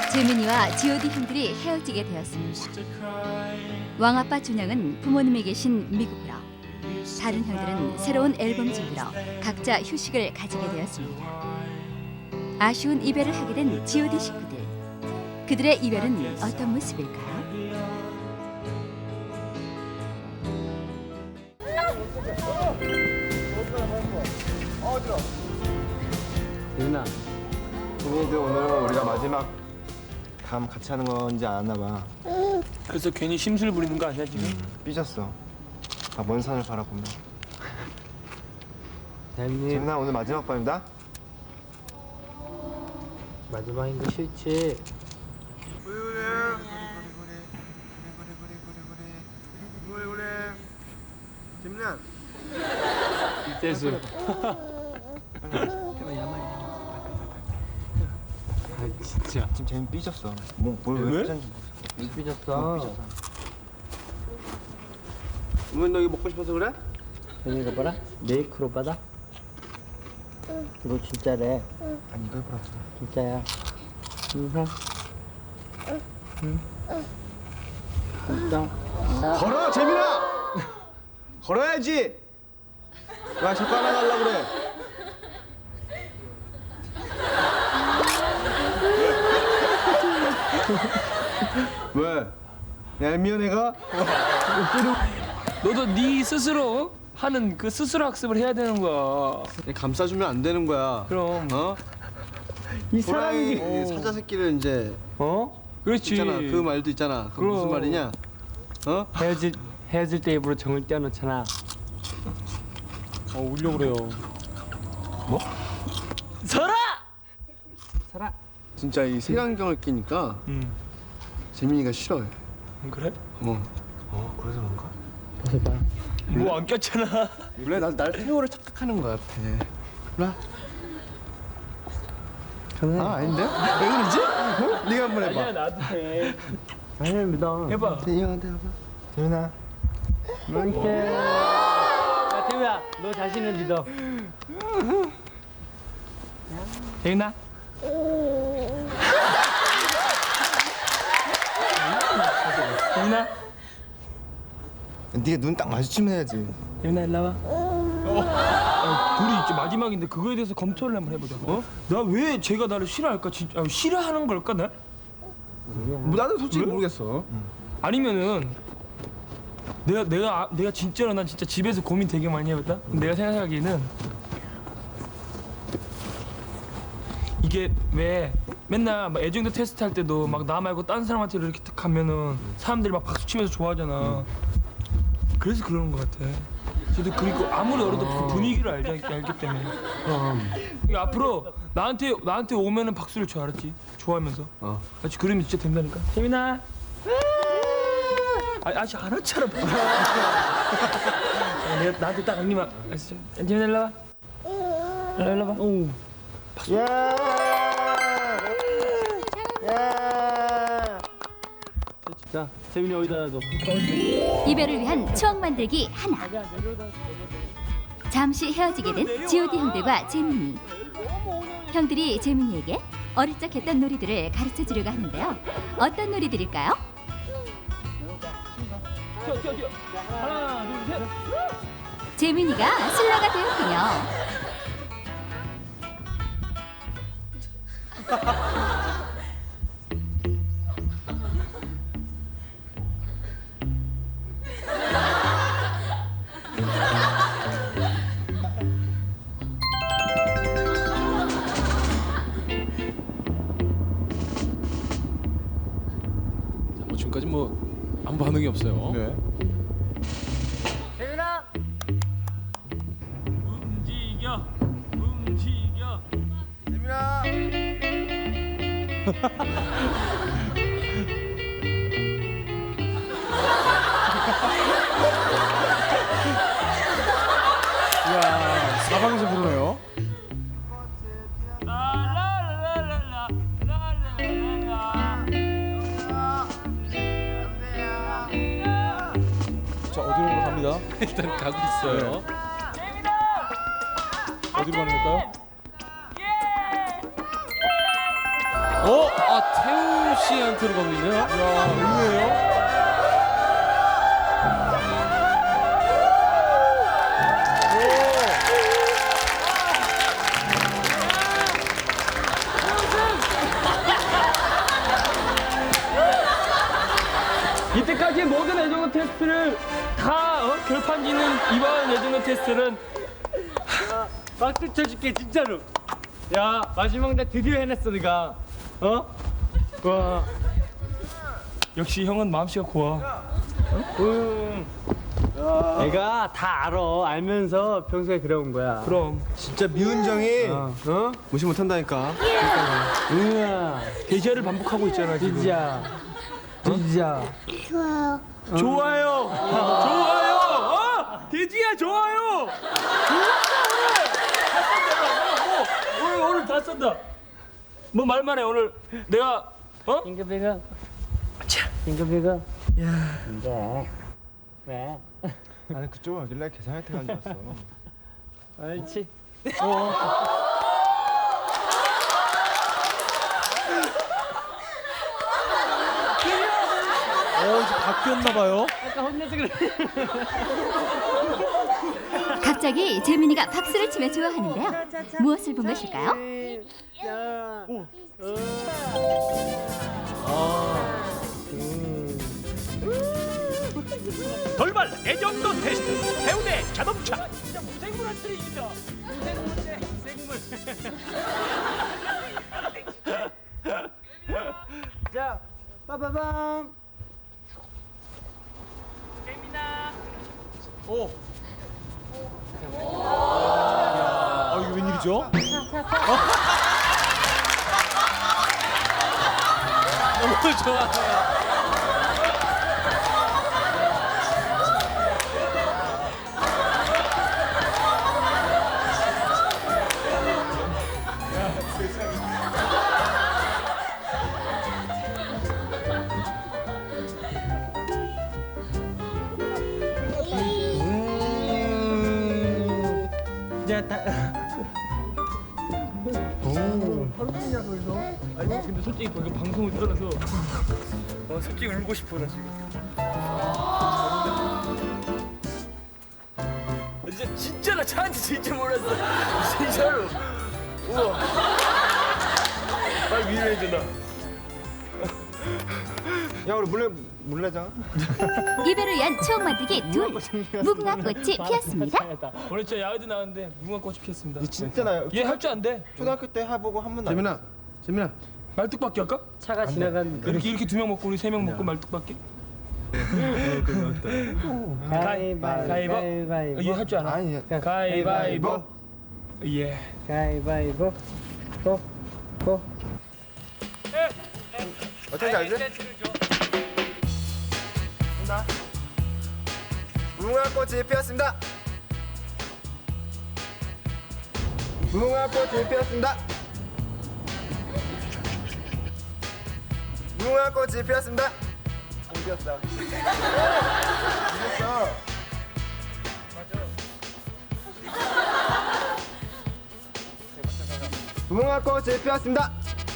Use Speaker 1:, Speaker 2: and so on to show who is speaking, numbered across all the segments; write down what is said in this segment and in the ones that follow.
Speaker 1: 재민이와 G.O.D 형들이 헤어지게 되었습니다. 왕아빠 준영은 부모님이 계신 미국으로, 다른 형들은 새로운 앨범 준비로 각자 휴식을 가지게 되었습니다. 아쉬운 이별을 하게 된 G.O.D 식구들. 그들의 이별은 어떤 모습일까요?
Speaker 2: 유나,
Speaker 3: 동희도 오늘은 우리가 마지막 밤 같이 하는 건지 안 왔나 봐.
Speaker 4: 그래서 괜히 심술 부리는 거 아니야 지금?
Speaker 3: 삐졌어. 아, 먼 산을 바라보며.
Speaker 2: 대현님
Speaker 3: 재민아, 오늘 마지막 밤이다.
Speaker 2: 마지막인 거 싫지?
Speaker 3: 재민아.
Speaker 2: 이재수. 아 진짜.
Speaker 3: 지금 재민 삐졌어. 뭘 삐졌는지 모르겠어.
Speaker 2: 삐졌어.
Speaker 3: 오늘 너 이거 먹고 싶어서 그래?
Speaker 2: 대현이가 봐라. 메이크로 받아. 이거 진짜래.
Speaker 3: 아니, 이거 해보라.
Speaker 2: 진짜야. 인사. 응. 진짜.
Speaker 3: 걸어, 재민아! 걸어야지! 왜 자꾸 하나 달라고 그래? 왜? 얄미운 애가?
Speaker 4: 너도 네 스스로 하는 그 스스로 학습을 해야 되는 거야.
Speaker 5: 감싸주면 안 되는 거야.
Speaker 4: 그럼.
Speaker 5: 어?
Speaker 2: 이
Speaker 5: 호랑이
Speaker 2: 사람이
Speaker 5: 사자 새끼를 이제
Speaker 4: 어? 그렇지.
Speaker 5: 있잖아. 그 말도 있잖아. 그 무슨
Speaker 4: 그럼.
Speaker 5: 말이냐? 어?
Speaker 2: 헤어질 때 입으로 정을 떼어놓잖아.
Speaker 4: 울려 그래요.
Speaker 2: 살아.
Speaker 5: 진짜 이 색안경을 끼니까
Speaker 4: 응.
Speaker 5: 재민이가 싫어해.
Speaker 4: 그래?
Speaker 3: 그래서 그런가?
Speaker 2: 벗어봐.
Speaker 4: 뭐 안 꼈잖아.
Speaker 5: 원래 날 태호를 착각하는 거 같아. 몰라? 아 아닌데? 왜 그러지? 어? 네가 한번 해봐.
Speaker 4: 나도 해.
Speaker 2: 아니야 믿어.
Speaker 4: 해봐.
Speaker 5: 재민이 형한테 해봐.
Speaker 3: 재민아.
Speaker 2: 이렇게. 야 태우야, 너 자신을 믿어.
Speaker 4: 재민아. 재민아.
Speaker 3: 네가 눈 딱 마주치면 해야지.
Speaker 4: 재민아 일로 와봐. 둘이 이제 마지막인데 그거에 대해서 검토를 한번 해보자. 어? 나 왜 쟤가 나를 싫어할까? 진짜 싫어하는 걸까 나?
Speaker 5: 뭐 나도 솔직히 모르겠어.
Speaker 4: 아니면은 내가 진짜로 난 진짜 집에서 고민 되게 많이 해봤다. 내가 생각하기에는 이게 왜 맨날 막 애정도 테스트 할 때도 막 나 말고 다른 사람한테 이렇게 탁 하면은 사람들이 막 박수 치면서 좋아하잖아. 그래서 그러는 것 같아. 저도 그리고 아무리 어려도 그 분위기를 알기 때문에. 그러니까 앞으로 나한테 오면은 박수를 쳐, 알았지? 좋아하면서. 알았지? 그러면 진짜 된다니까. 재민아. 아직 안 왔잖아. 내가 나한테 딱 언니만. 알았어? 재민아 일로 와. 일로 와봐. 오.
Speaker 2: 자, 재민이 어디다 놔둬?
Speaker 1: 이별을 위한 추억 만들기 하나. 잠시 헤어지게 된 G.O.D 형들과 재민이. 형들이 재민이에게 어릴 적 했던 놀이들을 가르쳐 주려고 하는데요. 어떤 놀이들일까요?
Speaker 4: 뛰어. 하나, 둘, 셋.
Speaker 1: 재민이가 신라가 되었군요.
Speaker 6: 지금까지 아무 반응이 없어요.
Speaker 3: 네.
Speaker 4: 움직여.
Speaker 3: 재민아.
Speaker 5: 이야 사방에서 부르네요.
Speaker 6: 자 어디로 갑니다. 일단 가고 있어요. 어디로 가는 걸까요? 태우 씨한테로 가고 있네요. 야, 의외예요.
Speaker 4: 이때까지 모든 애정어 테스트를 다 결판지는 이번 애정어 테스트는
Speaker 2: 박수 쳐줄게 진짜로. 야 마지막 날 드디어 해냈어 네가. 와.
Speaker 4: 역시 형은 마음씨가 고와.
Speaker 2: 내가 다 알면서 평소에 그래온 거야.
Speaker 4: 그럼
Speaker 5: 진짜 미운 정이
Speaker 2: 어?
Speaker 5: 무시 못한다니까.
Speaker 2: 응아
Speaker 4: 대시를 반복하고 있잖아 지금.
Speaker 2: 진짜 진짜.
Speaker 4: 좋아요. 좋아요. 돼지야 좋아요. 오늘 다 쓴다. 뭐 말만 해 오늘 내가
Speaker 2: 잉크비가. 잉크비가. 야. 근데 왜?
Speaker 3: 나는 그쪽으로 오길래 계산할 때 간 줄 알았어.
Speaker 2: 옳지.
Speaker 6: 이제 바뀌었나 봐요.
Speaker 2: 아까 혼내서 그래.
Speaker 1: 갑자기 재민이가 박수를 치며 좋아하는데요. 무엇을 본 것일까요?
Speaker 7: 돌발 애정도 테스트 해운대 자동차.
Speaker 2: 자, 빠바밤.
Speaker 6: 이게 웬일이죠? 너무 좋아요.
Speaker 2: 자, 다.
Speaker 4: 아니 근데 솔직히 방금 방송을 떠나서 솔직히 울고 싶어 나 지금. 진짜 나 차한테 진짜 몰랐어. 진짜로. 우와. 빨리 위로해줘 나.
Speaker 3: 야 우리 물레장.
Speaker 1: 이별을 위한 추억 만들기 둘. 무궁화 꽃이 피었습니다.
Speaker 4: 오늘 진짜 야외도 나왔는데 무궁화 꽃이 피었습니다.
Speaker 3: 진짜 나
Speaker 4: 얘 할 줄 안 돼.
Speaker 3: 초등학교 때 해보고 한 번도 안
Speaker 5: 재민아, 재민아.
Speaker 4: 말뚝박기 할까?
Speaker 2: 차가 지나간
Speaker 4: 이렇게 두 명 먹고 우리 세 명 먹고 말뚝박기? 가위바위보. 얘 할 줄 알아?
Speaker 3: 아니
Speaker 4: 가위바위보. 예.
Speaker 2: 가위바위보.
Speaker 3: 어떻게 알지? 무궁화꽃이 피었습니다. 무궁화꽃이 피었습니다. 무궁화꽃이 피었습니다. 안 피었어. 피었어. 무궁화꽃이 피었습니다.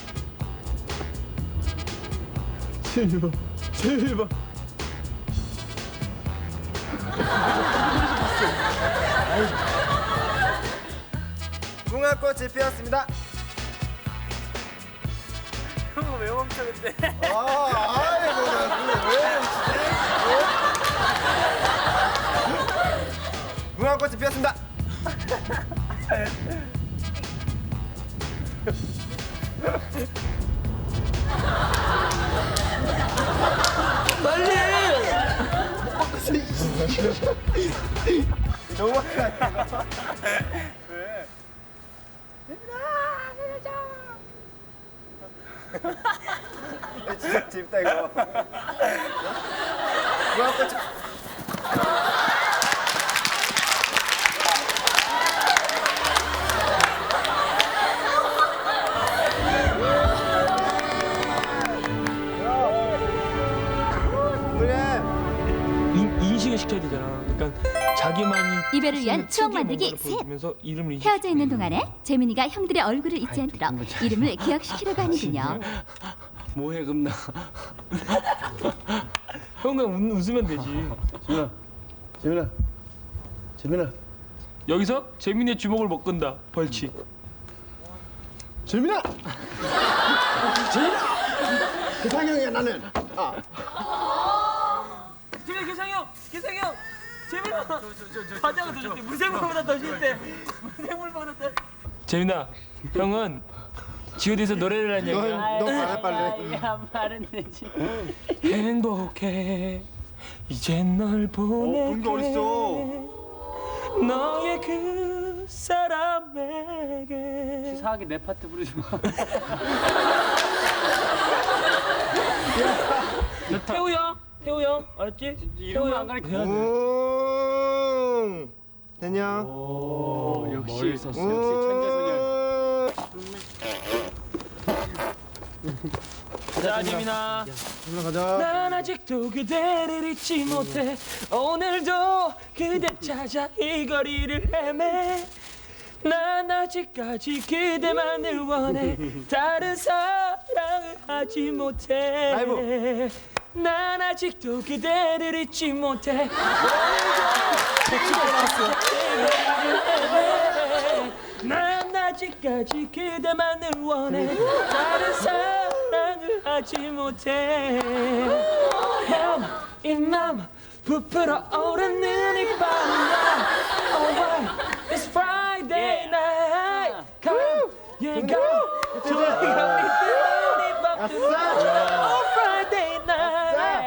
Speaker 3: 제발. 무궁화꽃이 피었습니다.
Speaker 2: 형은 왜 멈췄는데?
Speaker 3: 아이고 나 그거 왜 무궁화꽃이 피었습니다. 너무 많이 가. 왜? 진짜 재밌다 이거. 무궁화꽃이
Speaker 4: 인식을 인증을 시켜야 되잖아. 그러니까 자기만이
Speaker 1: 이별을 위한 추억
Speaker 4: 특유의
Speaker 1: 만들기
Speaker 4: 뭔가를
Speaker 1: 셋.
Speaker 4: 보여주면서 이름을
Speaker 1: 헤어져 있는 동안에 재민이가 형들의 얼굴을 잊지 않도록 이름을 기억시키려고 하는군요.
Speaker 2: 뭐해 금나.
Speaker 4: 형 그냥 웃으면 되지.
Speaker 2: 재민아. 재민아.
Speaker 4: 여기서 재민이의 주먹을 못 끈다. 벌칙.
Speaker 3: 재민아! 재민아! 기상형이야 나는.
Speaker 4: 재민아 기상형. 재민아. 과자가 더 좋대. 무생물보다 더 싫대. 무생물보다 더. 재민아, 형은 G.O.D에서 노래를 한 얘기야.
Speaker 3: 너 말해 빨리.
Speaker 1: 말은 되지.
Speaker 4: 행복해. 이젠 널
Speaker 3: 그런 게
Speaker 4: 보낼게.
Speaker 3: 어딨어?
Speaker 4: 너의 그 사람에게.
Speaker 2: 이상하게 내 파트 부르지 마.
Speaker 4: 태우 형, 알았지?
Speaker 2: 이름을 안 가르쳐.
Speaker 3: 됐냐?
Speaker 2: 역시 머리를 썼어. 역시 천재소년.
Speaker 4: 자, 재민아.
Speaker 3: 재민아 가자.
Speaker 4: 난 아직도 그대를 잊지 못해. 오늘도 그대 찾아 이 거리를 헤매. 난 아직까지 그대만을 원해. 다른 사랑을 하지 못해.
Speaker 3: 라이브.
Speaker 4: 난 아직도 그대를 잊지 못해. 난 아직까지 그대만을 원해. 다른 사랑을 하지 못해. 이 맘 부풀어 오르는 이 밤. Alright, it's Friday night. Come, yeah, come. 저희가 믿는 이 밤들. Oh, Friday night.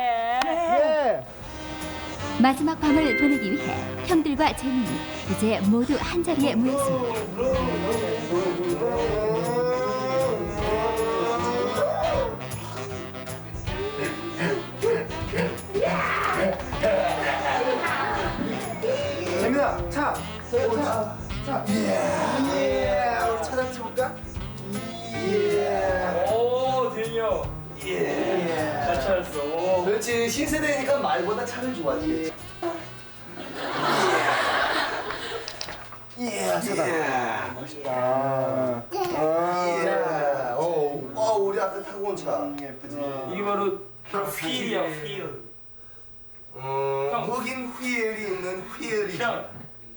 Speaker 1: 마지막 밤을 보내기 위해 형들과 재민이 이제 모두 한 자리에 모였습니다.
Speaker 3: 재민아 차. 차. 예. 우리 차 잡지 볼까? 예.
Speaker 4: 오, 대니 형. 잘 찾았어.
Speaker 3: 그렇지 신세대니까 말보다 차를 좋아하지. 예, 차다. 멋있다. 우리 아까 타고 온 차. 예쁘지.
Speaker 4: 이게 바로 휠이야, 휠.
Speaker 3: 흑인 휠이 있는 휠이.
Speaker 4: 형.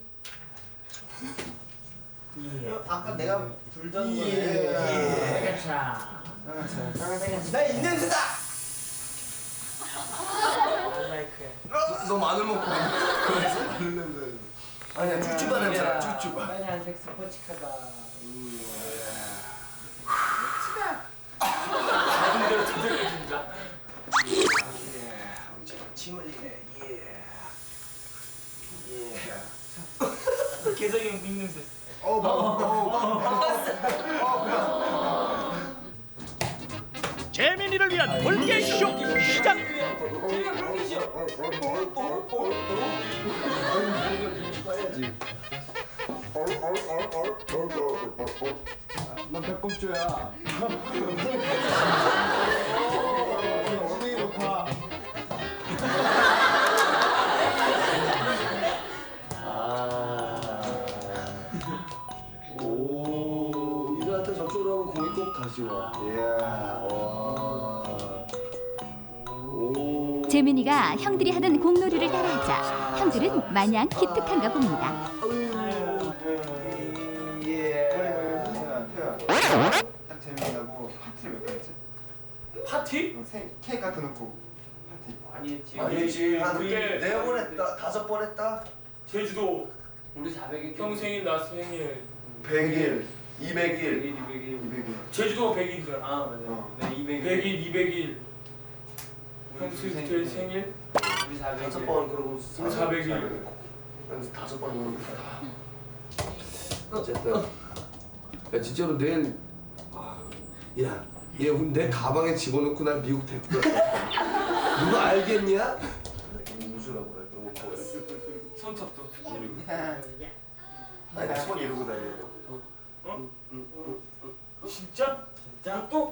Speaker 3: 아까 내가 불던 거에. 나 이 냄새다. 너 마늘 먹고 그래서 마늘 냄새. 아니야 쭈쭈바 냄새야 쭈쭈바.
Speaker 4: 빨간색 스포츠카다.
Speaker 3: 침 흘리네.
Speaker 4: 개성이 형 빅냄새.
Speaker 7: 재민이를 위한 돌개쇼 시작.
Speaker 3: 난 배꼽조야. 엉덩이 높아. 이거한테 저쪽으로 하고 공이 꼭 다시 와.
Speaker 1: 재민이가 형들이 하던 공놀이를 따라하자 형들은 마냥 기특한가 봅니다.
Speaker 3: 딱 재미나고 파티를 몇 번 했지?
Speaker 4: 파티?
Speaker 3: 케이크 갖다 놓고 파티.
Speaker 4: 아니지.
Speaker 3: 아니지. 한
Speaker 4: 그게
Speaker 3: 4번 했다. 5번 했다.
Speaker 4: 제주도.
Speaker 6: 우리 400일
Speaker 4: 형 생일 나 생일.
Speaker 3: 100일, 200일,
Speaker 6: 200일.
Speaker 3: 200일.
Speaker 4: 제주도 100일이잖아.
Speaker 6: 아 맞아요. 네 200일.
Speaker 4: 100일, 200일. 형 스위트 생일.
Speaker 6: 우리 400일.
Speaker 3: 5번 그러고
Speaker 4: 우리 400일.
Speaker 3: 5번 그러고.
Speaker 8: 어쨌든 야 진짜로 내일 얘 내 가방에 집어넣고 날 미국 데리고 갔다. 누가 알겠냐?
Speaker 3: 우주라고 그래. 그런 거 보였어.
Speaker 4: 손톱도.
Speaker 3: 아니 손 이러고 다녀.
Speaker 4: 진짜? 진짜? 또?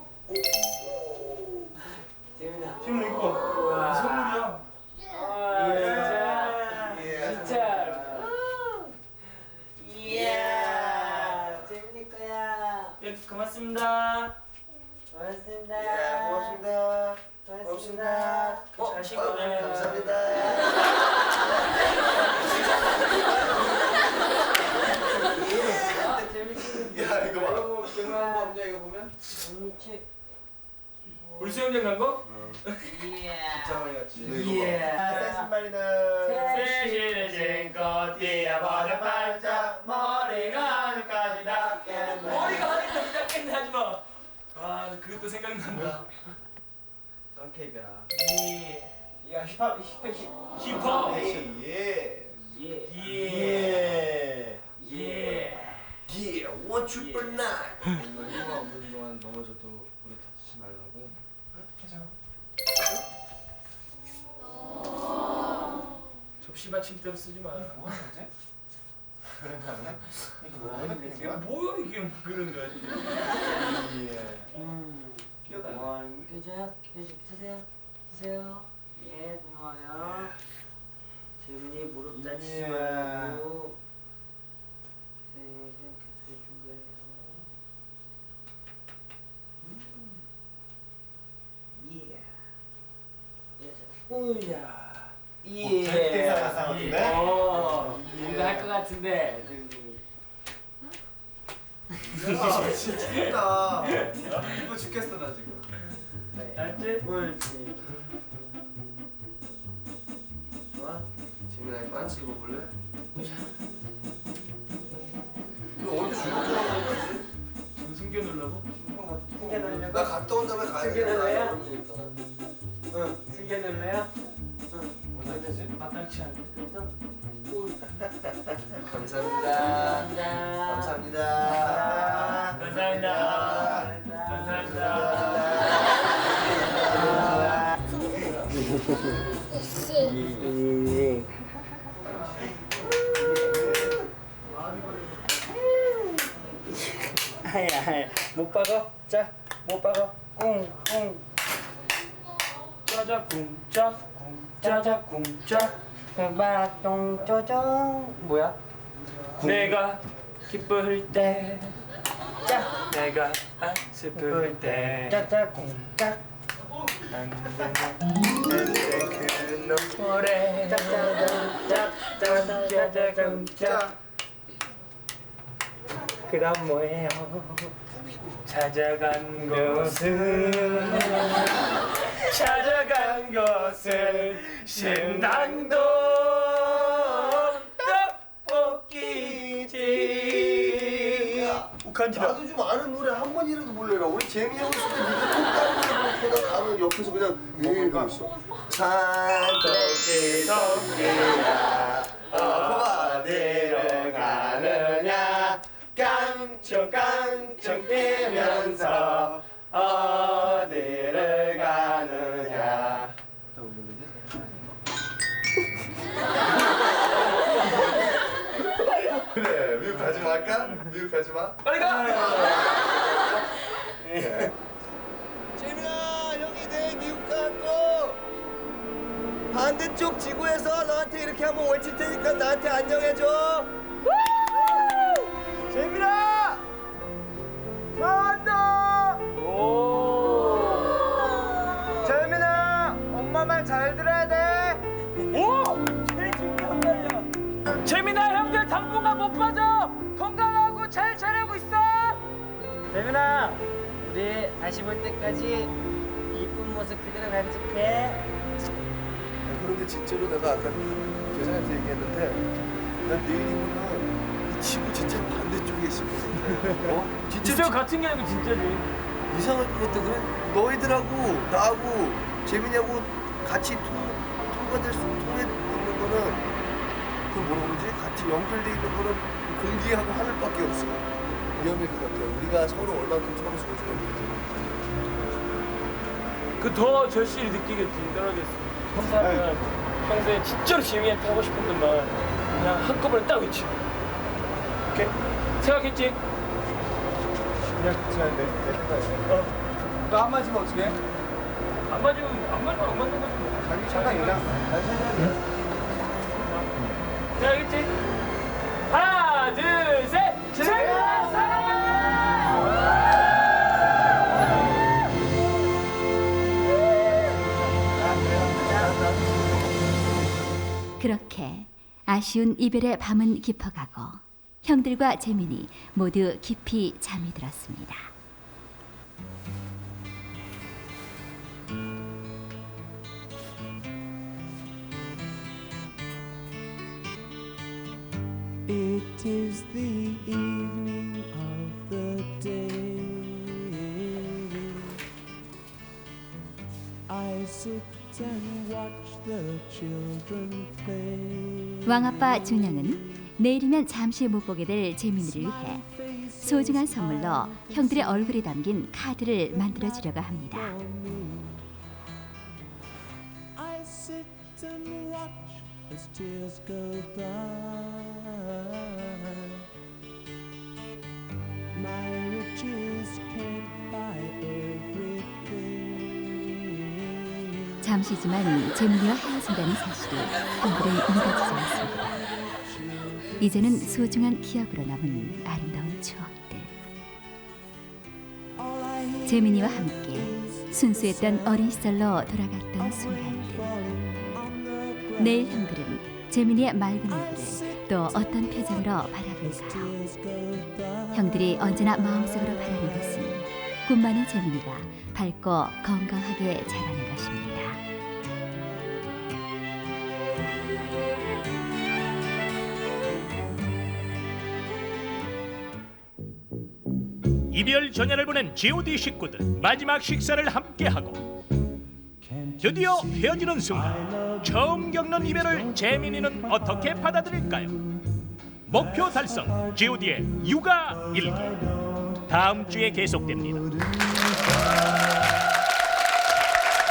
Speaker 4: 재민아. 재민아 이거 봐. 이 선물이야. 아 진짜.
Speaker 6: 고맙습니다.
Speaker 3: 예, 고맙습니다. 고맙습니다.
Speaker 6: 잘 씻고네.
Speaker 3: 감사합니다. 야 이거 봐.
Speaker 6: 경험한 거 없냐 이거 보면?
Speaker 4: 우리 수영장 간 거?
Speaker 3: 진짜 많이 갔지.
Speaker 6: 예.
Speaker 3: 새 신발이다.
Speaker 6: 새신을 신고 뛰어버려 발짝 머리가 하늘까지 닿겠네.
Speaker 4: 머리가 하늘까지 닿겠네 하지 마. 와 그것도 생각난다.
Speaker 3: 썬케이크야.
Speaker 6: 야
Speaker 4: 힙합.
Speaker 3: 예.
Speaker 4: 예. 예.
Speaker 3: 예. One triple nine.
Speaker 6: 이거 없는 동안 넘어져도 우리 다치지 말라고.
Speaker 4: 접시 받침대로 쓰지 마.
Speaker 6: 뭐 하는 거지?
Speaker 4: 이게 뭐야 이게 뭐 그런 거야.
Speaker 6: 껴줘요? 드세요. 드세요. 예, 고마워요. 재민이 무릎 다치지 말고 생각해서 해준 거예요. 우야. 예. 뭔가 할 것 같은데.
Speaker 3: 야 진짜. 이거 죽겠어 나 지금.
Speaker 4: 알지?
Speaker 6: 옳지. 좋아.
Speaker 3: 재민아 이 반지 입어볼래? 너 언제 죽었더라고?
Speaker 4: 지금 숨겨놓으려고?
Speaker 6: 숨겨놓으려고?
Speaker 3: 나 갔다 온 다음에 가야
Speaker 6: 숨겨놓을래요?
Speaker 3: 되니까.
Speaker 6: 응. 숨겨놓을래요?
Speaker 4: 마땅치 않네.
Speaker 3: 감사합니다. 감사합니다.
Speaker 4: 감사합니다. 감사합니다.
Speaker 6: 하야 못 박어? 자, 못 박어. 꿍꿍.
Speaker 4: 짜자 쿵짜 짜자 쿵짜.
Speaker 6: 바똥 쪼정. 뭐야?
Speaker 4: 내가 기쁠 때,
Speaker 6: 짜.
Speaker 4: 내가 슬플 때,
Speaker 6: 짜짜 꿍짜.
Speaker 4: 그 노래 짜자 쿵짜.
Speaker 6: 그다음 뭐예요?
Speaker 4: 찾아간 것은 신당동 떡볶이집. 욱한지라.
Speaker 3: 나도 좀 아는 노래 한 번이라도 불러라. 우리 재미 형 있을 때 네가 똥 따르고 가면 옆에서 그냥 이러고 있어. 산토끼 토끼야 어디로 가느냐 깡총깡총 뛰면서 어디를 가느냐. 그래 미국 가지 말까? 미국 가지 마.
Speaker 4: 빨리 가.
Speaker 3: 재민아 형이 내일 미국 가고 반대쪽 지구에서 너한테 이렇게 한번 외칠 테니까 나한테 안녕해줘. 재민아 나왔다. 재민아 엄마 말 잘 들어야 돼.
Speaker 4: 오! 제일 중요한 말이야. 재민아 형들 당분간 못 빠져. 건강하고 잘 자라고 있어.
Speaker 6: 재민아, 우리 다시 볼 때까지 이쁜 모습 그대로 간직해.
Speaker 3: 그런데 진짜로 내가 아까 교장한테 얘기했는데 난 내일이면은 이 지구 진짜 반대쪽에 있을 것 같아. 진짜
Speaker 4: 진짜 같은 게 아니고 진짜지.
Speaker 3: 이상할 것 같아. 그래 너희들하고 나하고 재민이하고 같이 통과될 수 통해 있는 거는 그 뭐라 그러지? 같이 연결돼 있는 거는 공기하고 하늘밖에 없어. 위험할 것 같아. 우리가 서로 얼마큼 서로 소중한지.
Speaker 4: 그 더 절실히 느끼겠지. 떨어졌어. 사람은 평소에 진짜로 재민이한테 하고 싶었던 말 그냥 한꺼번에 딱 외치고. 오케이? 생각했지?
Speaker 5: 그냥 내 생각에. 너 한마디면 어떻게 해?
Speaker 4: 안 맞으면 안 맞는 거지.
Speaker 5: 자기 생각이랑 난 생각이야.
Speaker 4: 생각했지? 하나, 둘, 셋! 재민아 사랑해!
Speaker 1: 그렇게 아쉬운 이별의 밤은 깊어가고 형들과 재민이 모두 깊이 잠이 들었습니다.
Speaker 9: It is the evening of the day. I sit and watch the children play.
Speaker 1: 왕아빠 준영은 내일이면 잠시 못 보게 될 재민이를 위해 소중한 선물로 형들의 얼굴이 담긴 카드를 만들어 주려고 합니다.
Speaker 9: I sit and watch as tears go by. My riches can't buy everything.
Speaker 1: 잠시지만 재민이와 헤어진다는 사실이 형들을 믿어지지 않습니다. 이제는 소중한 기억으로 남은 아름다운 추억들. 재민이와 함께 순수했던 어린 시절로 돌아갔던 순간들. 내일 형들은 재민이의 맑은 얼굴을 또 어떤 표정으로 바라볼까요? 형들이 언제나 마음속으로 바라는 것은 꿈 많은 재민이가 밝고 건강하게 자라는 것입니다.
Speaker 7: 이별 전야를 보낸 G.O.D 식구들 마지막 식사를 함께하고 드디어 헤어지는 순간 처음 겪는 이별을 재민이는 어떻게 받아들일까요? 목표 달성 G.O.D의 육아 일기 다음 주에 계속됩니다.